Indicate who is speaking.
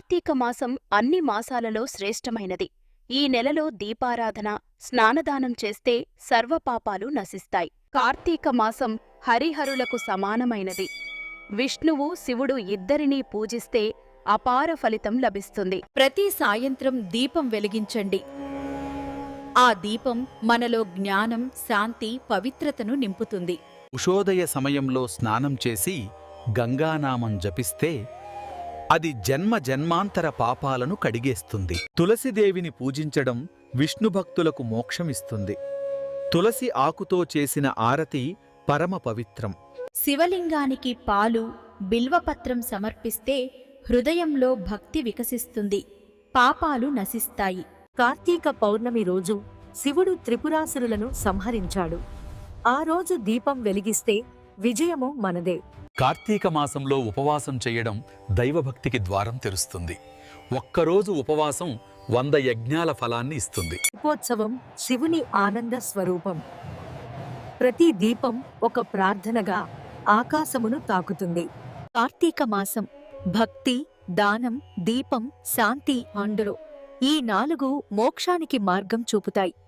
Speaker 1: కార్తీక మాసం అన్ని మాసాలలో శ్రేష్టమైనది. ఈ నెలలో దీపారాధన, స్నానదానం చేస్తే సర్వపాపాలు నశిస్తాయి. కార్తీక మాసం హరిహరులకు సమానమైనది. విష్ణువు, శివుడు ఇద్దరినీ పూజిస్తే అపార ఫలితం లభిస్తుంది.
Speaker 2: ప్రతి సాయంత్రం దీపం వెలిగించండి. ఆ దీపం మనలో జ్ఞానం, శాంతి, పవిత్రతను నింపుతుంది.
Speaker 3: ఉషోదయ సమయంలో స్నానం చేసి గంగానామం జపిస్తే అది జన్మ జన్మాంతర పాపాలను కడిగేస్తుంది. తులసిదేవిని పూజించడం విష్ణుభక్తులకు మోక్షమిస్తుంది. తులసి ఆకుతో చేసిన ఆరతి పరమ పవిత్రం.
Speaker 2: శివలింగానికి పాలు, బిల్వపత్రం సమర్పిస్తే హృదయంలో భక్తి వికసిస్తుంది, పాపాలు నశిస్తాయి.
Speaker 4: కార్తీక పౌర్ణమి రోజు శివుడు త్రిపురాసురులను సంహరించాడు. ఆ రోజు దీపం వెలిగిస్తే విజయము మనదే.
Speaker 3: కార్తీక మాసంలో ఉపవాసం చేయడం దైవభక్తికి ద్వారం తెరుస్తుంది. ఒక్కరోజు ఉపవాసం 100 యజ్ఞాల ఫలాన్ని ఇస్తుంది.
Speaker 4: దీపోత్సవం శివుని ఆనంద స్వరూపం. ప్రతి దీపం ఒక ప్రార్థనగా ఆకాశమును తాకుతుంది. కార్తీక మాసం భక్తి, దానం, దీపం, శాంతి, అందరూ ఈ 4 మోక్షానికి మార్గం చూపుతాయి.